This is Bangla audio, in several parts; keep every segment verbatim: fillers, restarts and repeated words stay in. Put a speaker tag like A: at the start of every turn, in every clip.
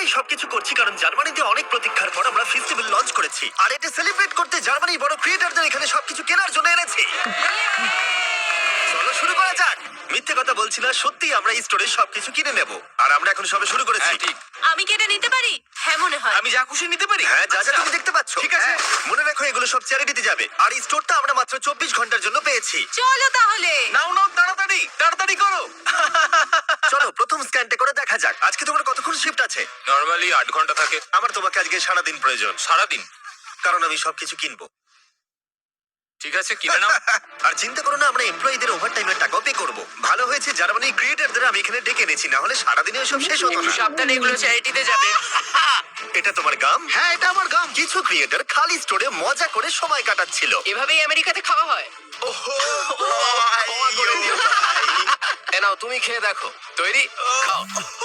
A: এই সবকিছু করছি কারণ জার্মানিতে অনেক প্রতীক্ষার পর আমরা ফেস্টিভ্যাল লঞ্চ করেছি, আর এটা সেলিব্রেট করতে জার্মানির বড় ক্রিয়েটরদের এখানে সবকিছু কেনার জন্য এনেছি। চলো শুরু করা যাক। মিথ্যে কথা বলছি না, সত্যি আমরা এই স্টোরে সবকিছু কিনে নেব, আর আমরা এখন সবে শুরু করেছি।
B: হ্যাঁ, ঠিক।
C: আমি কি এটা নিতে পারি? হ্যাঁ মনে হয়।
B: আমি যা খুশি নিতে পারি।
A: হ্যাঁ, যা যা
B: আচ্ছা।
A: তুমি দেখতে পাচ্ছ।
B: ঠিক আছে।
A: হ্যাঁ, মনে রাখো এগুলো সব চ্যারিটিতে যাবে, আর এই স্টোরটা আমরা মাত্র চব্বিশ ঘন্টার জন্য পেয়েছি।
C: চলো তাহলে।
B: নাও নাও, তাড়াতাড়ি তাড়াতাড়ি করো।
A: চলো প্রথম স্ক্যানটা করে দেখা যাক। আজকে তোমার কতক্ষণ শিফট আছে?
B: নরমালি আট ঘন্টা থাকে।
A: আমার তোমাকে আজকে সারাদিন প্রয়োজন,
B: সারাদিন?
A: কারণ আমি সবকিছু কিনবো।
B: ঠিক আছে, কিনে নাও।
A: আর চিন্তা করো না, আমরা এমপ্লয়ীদের ওভারটাইমের টাকাও পে করব। ভালো হয়েছে জার্মানি ক্রিয়েটরদের আমি এখানে ডেকে এনেছি, না হলে সারাদিনে সব শেষ হতো
B: একটু
A: না।
B: সাবধানে, এগুলো চ্যারিটিতে যাবে।
A: এটা তোমার গাম? হ্যাঁ, এটা আমার গাম। কিছু ক্রিয়েটর খালি স্টোরে মজা করে সময় কাটাচ্ছিল।
B: এভাবেই আমেরিকাতে খাওয়া হয়।
A: ওহো, ক্ষমা করে দিও ভাই।
B: এ নাও, তুমি খেয়ে দেখো। তৈরি? খাও।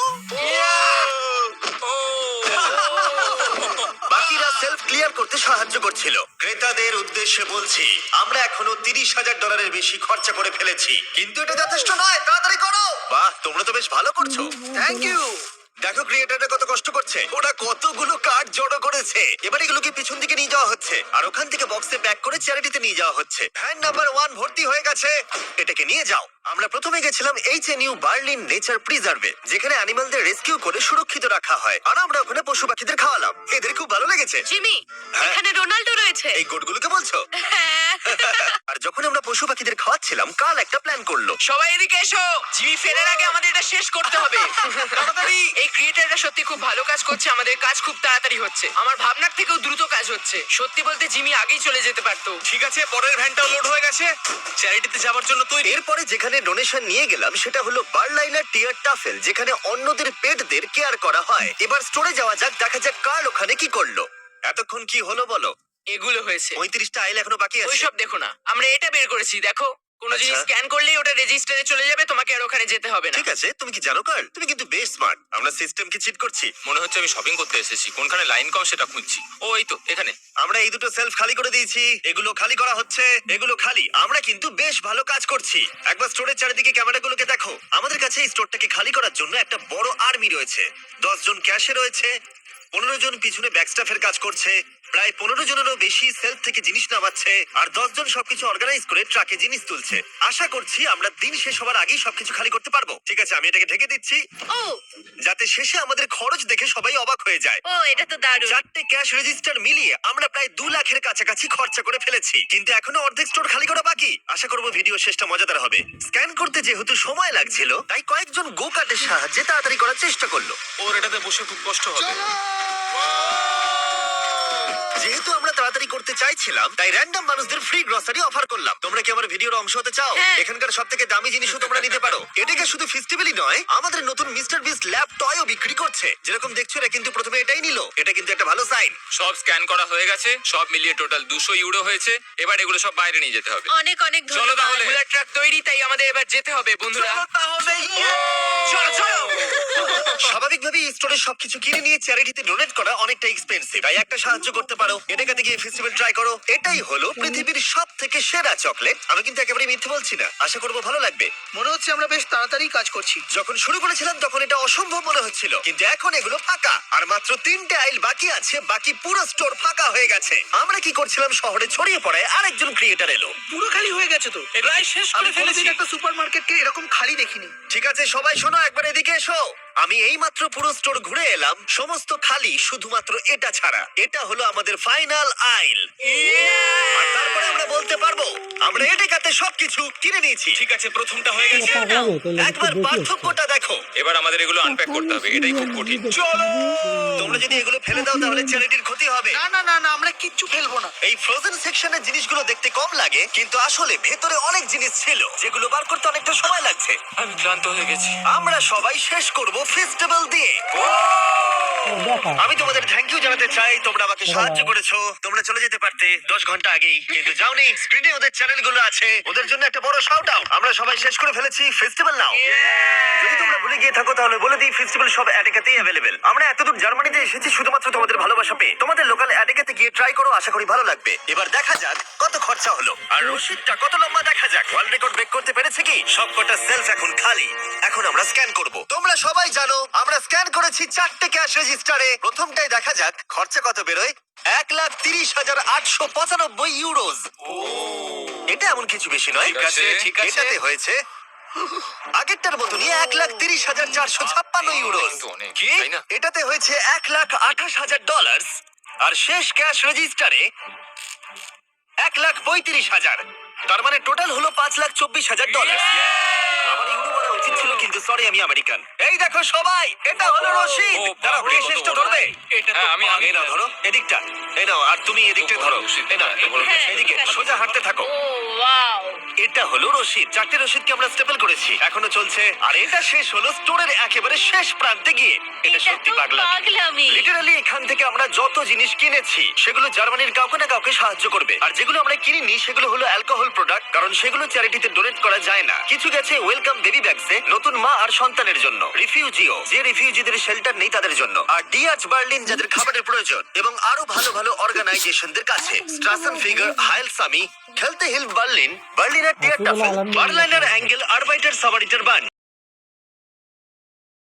A: বাকিরা সেলফ ক্লিয়ার করতে সাহায্য করছিল। ক্রেতাদের উদ্দেশ্যে বলছি, আমরা এখনো তিরিশ হাজার ডলারের বেশি খরচা করে ফেলেছি, কিন্তু এটা যথেষ্ট নয়। তাড়াতাড়ি করো। বাহ, তোমরা তো বেশ ভালো করছো। Thank you. দেখো ক্রিয়েটাররা কত কষ্ট করছে, ওরা কতগুলো কার্ড জড়ো করেছে। এবার এগুলোকে পিছন দিকে নিয়ে যাওয়া হচ্ছে, আর ওখান থেকে বক্সে প্যাক করে চ্যারিটিতে নিয়ে যাওয়া হচ্ছে। ভ্যান নাম্বার ওয়ান ভর্তি হয়ে গেছে, এটাকে নিয়ে যাও। আমরা প্রথমে গেছিলাম H N U Berlin nature প্রিজার্ভে, যেখানে অ্যানিমালদের রেস্কিউ করে সুরক্ষিত রাখা হয়, আর আমরা ওখানে পশু পাখিদের খাওয়ালাম। এদের খুব ভালো লেগেছে।
C: জিমি,
A: হ্যাঁ।
C: এখানে রোনাল্ডো রয়েছে।
A: এই গোটগুলোকে বলছো?
C: হ্যাঁ।
A: আর যখন আমরা পশু পাখিদের খাওয়াচ্ছিলাম, কাল একটা প্ল্যান করলো।
B: সবাই এদিকে এসো। জিমি ফেরার আগে আমাদের এটা শেষ করতে হবে। তাড়াতাড়ি। এই ক্রিয়েটাররা সত্যি খুব ভালো কাজ করছে, আমাদের কাজ খুব তাড়াতাড়ি হচ্ছে। আমার ভাবনার থেকেও দ্রুত কাজ হচ্ছে। সত্যি বলতে জিমি আগেই চলে যেতে পারতো। ঠিক আছে, পরের ভ্যানটাও লোড হয়ে গেছে, চ্যারিটিতে যাওয়ার জন্য তৈরি।
A: এরপরে যেখানে ডোনেশন নিয়ে গেলাম সেটা হলো বার্লাইনার টিয়ার টাফেল, যেখানে অন্যদের পেটদের কেয়ার করা হয়। এবার স্টোরে যাওয়া যাক, দেখা যাক কার্ল ওখানে কি করলো। এতক্ষণ কি হলো বলো?
B: এগুলো হয়েছে।
A: পঁয়ত্রিশটা আইল এখনো বাকি আছে।
B: ওইসব দেখো না, আমরা এটা বের করেছি। দেখো, কোনো
A: আচ্ছা।
B: জিনিস স্ক্যান করলেই ওটা রেজিস্টারে চলে যাবে, তোমাকে আর ওখানে যেতে হবে না।
A: ঠিক আছে, তুমি কি জানো কার্ল, তুমি কিন্তু বেশ স্মার্ট। আমরা সিস্টেমকে চিট করছি।
D: মনে হচ্ছে আমি শপিং করতে এসেছি, কোনখানে লাইন কম সেটা খুঁজছি। ও এই তো এখানে।
A: আমরা এই দুটো সেলফ খালি করে দিয়েছি, এগুলো খালি করা হচ্ছে, এগুলো খালি। আমরা কিন্তু বেশ ভালো কাজ করছি। একবার স্টোরের চারিদিকে ক্যামেরাগুলোকে দেখো। আমাদের কাছে এই স্টোরটাকে খালি করার জন্য একটা বড় আর্মি রয়েছে। দশ জন ক্যাশে রয়েছে, পনেরো জন পিছনে ব্যাকস্টাফের কাজ করছে, প্রায় পনেরো জনেরও বেশি সেলফ থেকে জিনিস নামাচ্ছে, আর দশ জন সবকিছু অর্গানাইজ করে ট্রাকে জিনিস তুলছে। আশা করছি আমরা দিন শেষ হওয়ার আগেই সবকিছু খালি করতে পারবো। ঠিক আছে, আমি এটাকে ঢেকে দিচ্ছি,
C: ও
A: যাতে শেষে আমাদের খরচ দেখে সবাই অবাক হয়ে যায়।
C: ও এটা তো দারুণ।
A: চারটে ক্যাশ রেজিস্টার মিলিয়ে আমরা প্রায় দু লাখের কাছাকাছি খরচা করে ফেলেছি, কিন্তু এখনো অর্ধেক স্টোর খালি করা বাকি। আশা করবো ভিডিও শেষটা মজাদার হবে। স্ক্যান করতে যেহেতু সময় লাগছিল, তাই কয়েকজন গো কার্টের সাহায্যে তাড়াতাড়ি করার চেষ্টা করলো।
D: ওর এটাতে বসে খুব কষ্ট হবে।
A: যেহেতু আমরা তাড়াতাড়ি করতে চাইছিলাম, তাই র্যান্ডম মানুষদের ফ্রি গ্রসারি অফার করলাম। তোমরা কি আমার ভিডিওর অংশ হতে চাও?
C: হ্যাঁ।
A: এখানকার সব থেকে দামি জিনিসও তোমরা নিতে পারো। এটাকে শুধু ফেস্টিভ্যালই নয়, আমাদের নতুন মিস্টার বিস্ট ল্যাব টয়ও বিক্রি করছে। যেরকম দেখছো, এরা কিন্তু প্রথমে এটাই নিল। এটা কিন্তু একটা ভালো সাইন।
D: সব স্ক্যান করা হয়ে গেছে, সব মিলিয়ে টোটাল দুশো ইউরো হয়েছে। এবার এগুলো সব বাইরে নিয়ে যেতে হবে।
C: অনেক অনেক
D: চলো
C: ধন্যবাদ।
D: তাহলে।
B: বুলেট ট্রাক তৈরি, তাই আমাদের এবার যেতে হবে বন্ধুরা।
A: তাহলে
B: চলো চলো।
A: স্বাভাবিকভাবেই স্টোরে সবকিছু কিনে নিয়ে চ্যারিটিতে ডোনেট করা অনেকটা এক্সপেন্সিভ, তাই একটা সাহায্য করতে পারো। এটাকে গিয়ে ফেস্টিভ্যাল ট্রাই করো। এটাই হলো পৃথিবীর সব থেকে সেরা চকলেট। আমি কিন্তু একেবারে মিথ্যে বলছি না, আশা করবো ভালো লাগবে।
E: মনে হচ্ছে আমরা বেশ তাড়াতাড়ি কাজ করছি।
A: যখন শুরু করেছিলাম তখন এটা অসম্ভব মনে হচ্ছিল, কিন্তু এখন এগুলো ফাঁকা, আর মাত্র তিনটে আইল বাকি আছে। বাকি পুরো স্টোর ফাঁকা হয়ে গেছে। আমরা কি করছিলাম, শহরে ছড়িয়ে পড়ায় আরেকজন ক্রিয়েটার এলো।
E: পুরো খালি হয়ে গেছে তো।
B: প্রায় শেষ
E: আমি
B: করে ফেলেছি।
E: কোনোদিন একটা সুপার মার্কেটকে এরকম খালি দেখিনি।
A: ঠিক আছে সবাই শোনো, একবার এদিকে এসো। আমি এই মাত্র পুরো স্টোর ঘুরে এলাম, সমস্ত খালি, শুধুমাত্র এটা ছাড়া। এটা হলো আমাদের ফাইনাল আইল, আর তারপরে আমরা বলতে পারবো আমরা এটাতে সবকিছু কিনে নিয়েছি।
D: ঠিক আছে, প্রথমটা হয়ে গেছে।
A: একবার পার্থক্যটা দেখো।
D: এবার আমাদের এগুলো আনপ্যাক করতে হবে, এটাই খুব কঠিন।
A: চলো, তোমরা যদি এগুলো ফেলে দাও তাহলে চ্যারিটির ক্ষতি হবে।
E: না না না না, আমরা কিচ্ছু ফেলবো না।
A: এই ফ্রোজেন সেকশনের জিনিসগুলো দেখতে কম লাগে, কিন্তু আসলে ভেতরে অনেক জিনিস ছিল যেগুলো বার করতে অনেকটা সময় লাগছে।
D: আমি ক্লান্ত হয়ে গেছি।
A: আমরা সবাই শেষ করব ফেস্টিভ্যাল দিয়ে। আমি তোমাদের থ্যাংক ইউ জানাতে চাই, তোমরা আমাকে সাহায্য করেছো। তোমরা চলে যেতে পারতে দশ ঘন্টা আগেই, কিন্তু যাওনি। স্ক্রিনে ওদের চ্যানেলগুলো আছে, ওদের জন্য একটা বড় শাউট আউট। আমরা সবাই শেষ করে ফেলেছি ফেস্টিভ্যাল নাও। যদি তোমরা ভুলে গিয়ে থাকো তাহলে বলে দিই, ফেস্টিভ্যাল সব অ্যাডেকাতেই অ্যাভেলেবেল। আমরা এতদূর জার্মানিতে এসেছি শুধুমাত্র তোমাদের ভালোবাসা পেয়ে। তোমাদের লোকাল অ্যাডেকাতে গিয়ে ট্রাই করো, আশা করি ভালো লাগবে। এবার দেখা যাক কত খরচা হলো আর রসিদটা কত লম্বা। দেখা যাক ওয়ার্ল্ড রেকর্ড ব্রেক করতে পেরেছে কি। সবকটা সেলফ এখন খালি। এখন আমরা স্ক্যান করব। তোমরা সবাই জানো আমরা স্ক্যান করেছি চারটে ক্যাশ রেজিস্টারে। প্রথমটাই দেখা যাক খরচা কত বেরোয়। এক লাখ তিরিশ হাজার আটশো পঁচানব্বই ইউরোজ। এটা এমন কিছু বেশি নয়।
D: ঠিক আছে, ঠিক আছে।
A: এটাতে হয়েছে আগেরটার মতনই এক লাখ তিরিশ হাজার চারশো ছাপ্পান্ন ইউরোজ।
D: তো অনেক,
A: কি?
D: তাই না?
A: এটাতে হয়েছে এক লাখ আঠাশ হাজার ডলার। আর শেষ ক্যাশ রেজিস্টারে এক লাখ পঁয়ত্রিশ হাজার। তার মানে টোটাল হলো পাঁচ লাখ চব্বিশ হাজার ডলার। আমার ইউরো বলা উচিত ছিল, কিন্তু সরি আমি আমেরিকান। এই দেখো সবাই, এটা হলো রশিদ।
D: ও,
A: দাঁড়াও,
D: বাবা,
A: কে
D: কত
A: শেষটা
D: বড়।
A: ধরবে?
B: এটা তো
D: হ্যাঁ, আমি আমি
A: এই নাও ধরো এদিকটা, এই নাও, আর তুমি এদিকটা
D: বড়
A: ধরো।
D: রশিদ।
A: এই নাও,
D: এত বড়
C: হ্যাঁ,
A: এদিকে
C: ঠিক আছে।
A: সোজা হাঁটতে থাকো।
C: Oh wow.
A: এটা হলো রশিদ। চারটে রশিদকে আমরা স্টেপল করেছি, এখনো চলছে। আর এটা শেষ হলো স্টোরের একেবারে শেষ প্রান্তে গিয়ে। এটা
C: এটা
A: সত্যি
C: তো
A: পাগলামি।
C: পাগলামি।
A: লিটারালি এখান থেকে আমরা যত জিনিস কিনেছি সেগুলো জার্মানির কাউকে না কাউকে সাহায্য করবে। আর যেগুলো আমরা কিনিনি সেগুলো হলো অ্যালকোহল প্রোডাক্ট, কারণ সেগুলো চ্যারিটিতে ডোনেট করা যায় না। কিছু গেছে ওয়েলকাম বেবি ব্যাগসে, নতুন মা আর সন্তানের জন্য। রিফিউজিও, যে রিফিউজিদের শেল্টার নেই তাদের জন্য। আর ডিআরচ বার্লিন, যাদের খাবারের প্রয়োজন। এবং আরো ভালো ভালো অর্গানাইজেশনদের কাছে। স্ট্রাসেন ফিগার, হাইল সামি, খেলতে হিল বার্লিন, বার্লিনার টিয়ার টাফেল, বার্লাইনার অ্যাঙ্গেল, আরবাইটার সামারিটার বান।